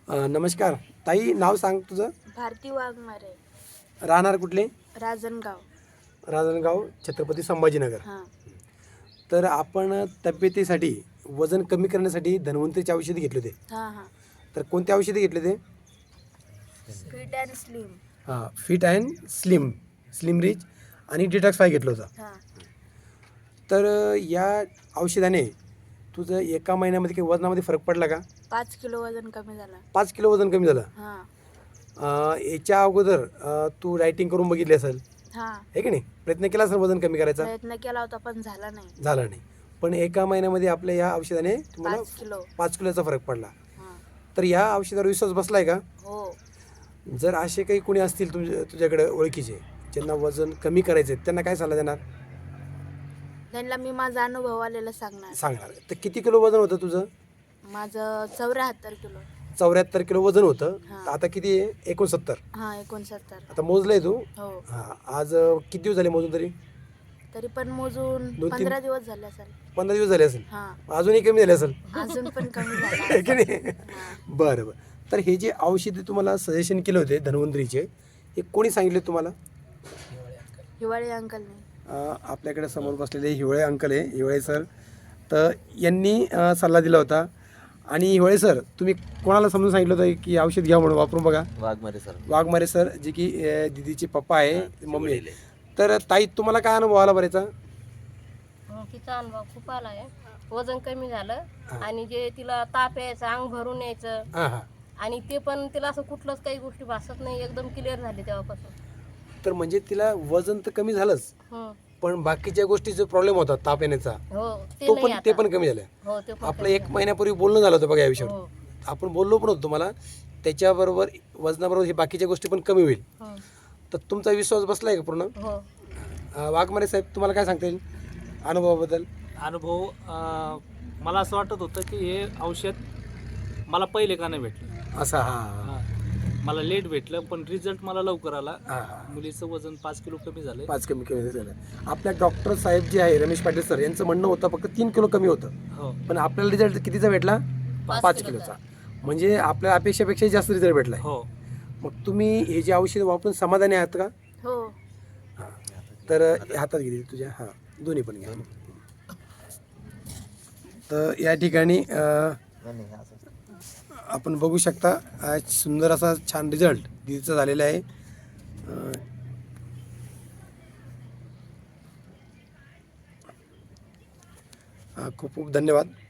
नमस्कार ताई, नाव सांग तुझं. भारती वाघमारे, राहणार कुठले? राजनगाव. राजनगाव, छत्रपती संभाजीनगर. हां. तर आपण तब्येतीसाठी वजन कमी करण्यासाठी धन्वंतरीची औषधी घेतले होते. हां हां. तर कोणते औषधी घेतले ते? Fit and slim. हां, fit and slim, slim rich आणि डिटॉक्स 5 घेतलं होतं. हां. तर या औषधाने तुझं एका महिन्यामध्ये काही वजनामध्ये फरक पडला का? 5 किलो वजन कमी झालं. 5 किलो वजन कमी झालं. हां. याच्या अगोदर तू डायटिंग करून बघितली असेल, हां. आहे की नाही? प्रयत्न केला असेल वजन कमी करायचा, प्रयत्न केला होता पण झाला नाही. झाला नाही. पण एका महिन्यामध्ये आपल्या या औषधाने तुम्हाला 5 किलो. 5 किलोचा फरक पडला. हां. तर या औषधावर विश्वास बसलाय का? हो. जर असे काही कोणी असतील तुझ्याकडे ओळखीचे ज्यांना वजन कमी करायचे, त्यांना काय सल्ला देणार? त्यांना मी माझा अनुभव आलेला सांगणार. सांगणार. तर किती किलो वजन होतं तुझं? माझं 74 किलो. 74 किलो वजन होतं. हां. आता किती आहे? 69. हां, 69. आता मोजलंय तू? हो. हां. आज किती दिवस झाले मोजून तरी? तरी पण मोजून 2-3 15 दिवस झाले असेल. 15 दिवस झाले असेल. हां. अजूनही कमी झाले असेल. अजून पण कमी झाला. आहे की नाही? हां. बरं बरं. तर हे जे औषधे तुम्हाला सजेशन केले होते धन्वंतरीचे, हे कोणी सांगितले तुम्हाला? हिवाळी अंकलने. आपल्याकडे समोर बसलेले हिवळे अंकल आहे, हिवळे सर. तर यांनी सल्ला दिला होता. आणि हिवळे सर, तुम्ही कोणाला समजून सांगितलं होतं की औषध घ्या म्हणून, वापरून बघा? वाघमारे सर, जे की दिदीचे पप्पा आहे, मम्मी आहे. तर ताई, तुम्हाला काय अनुभव आला बरेचा? तिचा अनुभव खूप आला आहे. वजन कमी झालं आणि जे तिला ताप यायचं, अंग भरून यायचं, हां हां. आणि ते पण तिला असं कुठलंच काही गोष्टी भासत नाही, एकदम क्लिअर झाली तेव्हापासून. तर म्हणजे तिला वजन तर कमी झालंच, हं. पण बाकीच्या गोष्टीचा प्रॉब्लेम होता ताप येण्याचा, हो, तो नाही पण ते आता. पण कमी झालं. हो, ते पण आपलं कमी 1 झालं. महिन्यापूर्वी बोलणं झालं होतं बघा या विषयावर. हो. आपण बोललो पण होतो तुम्हाला, त्याच्याबरोबर वजनाबरोबर हे बाकीच्या गोष्टी पण कमी होईल. हं. तर तुमचा विश्वास बसलाय का पूर्ण? हो. वाघमारे साहेब, तुम्हाला काय सांगता येईल अनुभवाबद्दल? अनुभव मला असं वाटत होतं की हे औषध मला पहिले का नाही भेटलं. असा हां हां. मला लेट भेटलं, पण रिझल्ट मला लवकर आला. हां हां. मुलीचं वजन 5 किलो कमी झालं. 5 कमी झालं. आपल्या डॉक्टर साहेब जे आहे रमेश पाटील सर, यांचं म्हणणं होतं फक्त 3 किलो कमी होतं, हो. पण आपल्याला रिझल्ट कितीचा भेटला? 5 किलोचा. म्हणजे आपल्या अपेक्षेपेक्षा जास्त रिझल्ट भेटला. हो. मग तुम्ही हे जे औषध वापरून समाधानी आहात का? हो. हां. तर हातात घे तुझ्या. हां, दोन्ही पण घ्या. तर या ठिकाणी आपण बघू शकता, आज सुंदर असा छान रिझल्ट दिदीचा झालेला आहे. खूप खूप धन्यवाद.